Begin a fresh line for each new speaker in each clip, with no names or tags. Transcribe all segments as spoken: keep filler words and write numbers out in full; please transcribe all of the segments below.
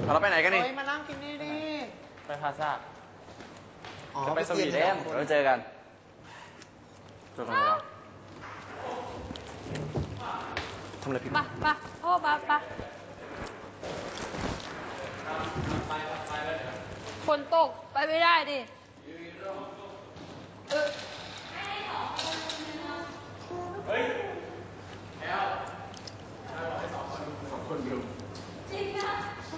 เราไปไหนกันนี่
มานั่งกินนี่ดิ
ไปพาซ่าจะไปสวีเดน
เราเจอกันเจอกันแล้วทำอะไรผิด
ปะปะโอ้ปะปะฝนตกไปไม่ได้ดิเฮ้ยแอลสองคนสองคนดูจริงอะ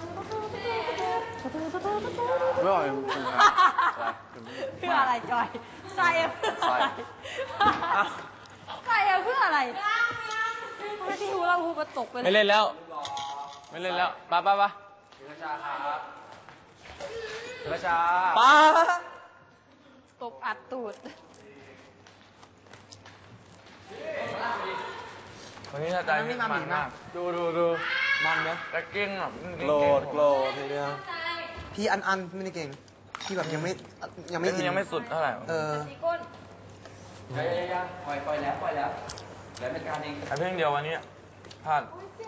ไม่ไหว
เพื่ออะไรจอยใส่เพื่ออะไรใส่เพื่ออะไรไม่ที่หูเราหูมาตกไป
ไม่เล่นแล้วไม่เล่นแล้วป้าป้าป้า
พิรชาครับพิรชา
ป้า
ตกอัดตูด
วันนี้ถ้าใจมันมากดูดูดูมันไหมแต่เก่งอ่ะ
โกรธโกรธทีเดียว
พี่อันอันไม่ได้เก่งพี่แบบยังไม่ยังไม่
ยังไม่สุดเท่าไหร่
เออ
ยังยังยังปล่อยปล่อยแล้วปล่อยแล้วแล้วเป็นการเอง
ไอ้เพียงเดียววันนี้พลาด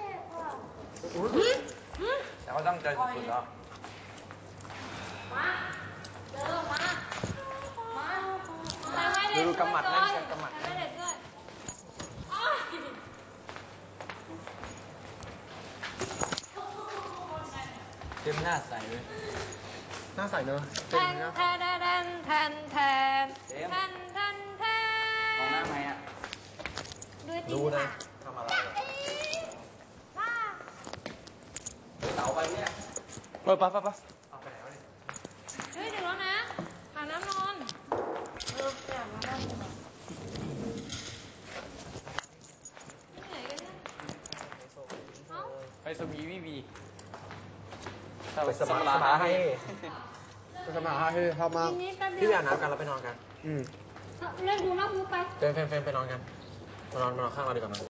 แต่ก็ตั้งใจสุดๆแล้ว
ดูกำหมัดนั่นเชียงกำหมัด
เต็มหน้าใสเลย
หน้าใสเนอะ
แทนแทนแทนแทนแทนแทนแทนแทน
มองหน้าไหมอ่ะ
ดูนะ
ทำอะไรเสาไปเนี่ย
เออป้าป้าป้า
เอาไปไหนวะเนี่ย
เฮ้ยถึงแล้วนะหาน้ำนอนเอออยากมาบ้านกูหน่อยที่ไหนกันเนี่ยเอ้า
ไปสวีวีวี
ไปสมัครร้านให้
ไปสมัครให้ชอบมากพี่ไปอาบน้ำกันแล้วไปนอนกันอืม
เล่นดูนอกรูไป
เฟรมเฟรมเฟรมไปนอนกันมานอนมานอนข้างเราดีกว่ามั้ย